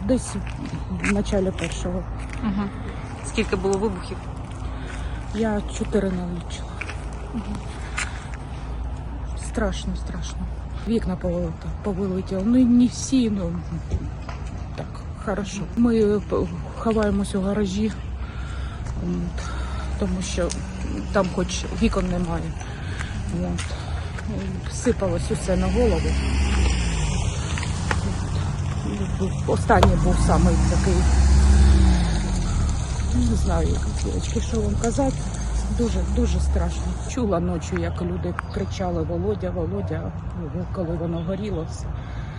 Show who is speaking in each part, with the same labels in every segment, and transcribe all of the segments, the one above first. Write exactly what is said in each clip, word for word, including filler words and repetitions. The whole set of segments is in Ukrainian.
Speaker 1: десь в началі першого.
Speaker 2: Угу. Скільки було вибухів?
Speaker 1: Я чотири налічила. Угу. Страшно, страшно. Вікна повилетіли, повилетіли. Ну не всі, ну так, хорошо. Ми ховаємось у гаражі, от, тому що там хоч вікон немає. От. Сипалось усе на голову. Останній був самий такий, не знаю, дівчатки, що вам казати, дуже, дуже страшно. Чула ночі, як люди кричали «Володя, Володя», коли воно горіло все.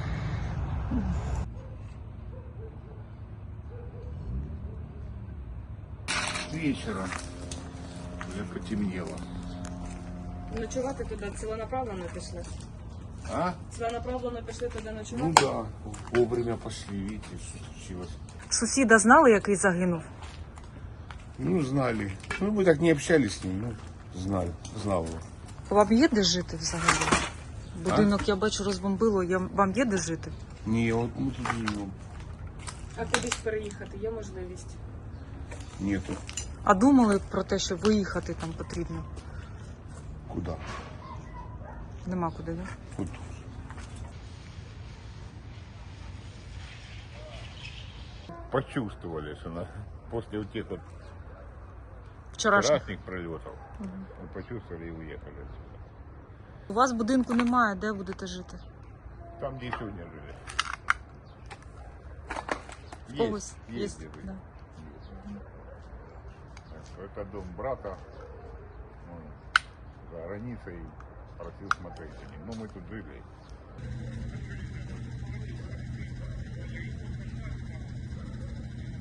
Speaker 3: Вечером вже потемніло.
Speaker 2: Ночувати туди ціленаправленно пішли?
Speaker 3: А?
Speaker 2: Ціленаправленно пішли туди ночувати?
Speaker 3: Ну да, вовремя пошли, видите, что случилось.
Speaker 2: Сусіда знали, який загинув?
Speaker 3: Ну, знали. Ну, мы так не общались с ним, ну, знали, знал его.
Speaker 2: Вам є де жити взагалі? Будинок, я бачу, розбомбило. Я... Вам є де жити?
Speaker 3: Не, вот мы тут живем.
Speaker 2: А кудись переїхати є можливість?
Speaker 3: Нету.
Speaker 2: А думали про те, що виїхати там потрібно?
Speaker 3: Куда?
Speaker 2: Нема куди, да?
Speaker 3: Вот тут.
Speaker 4: Почувствовали, что на, после вот тех вот
Speaker 2: Вчорашніх.
Speaker 4: вчерашних пролетов мы почувствовали и уехали отсюда.
Speaker 2: У вас будинку немає, де будете жити?
Speaker 4: Там, где и сегодня жили.
Speaker 2: В когось
Speaker 4: Есть,
Speaker 2: є.
Speaker 4: есть где жить.
Speaker 2: Да.
Speaker 4: Есть. Это дом брата, он за границей просил смотреть за ним. Но мы тут жили.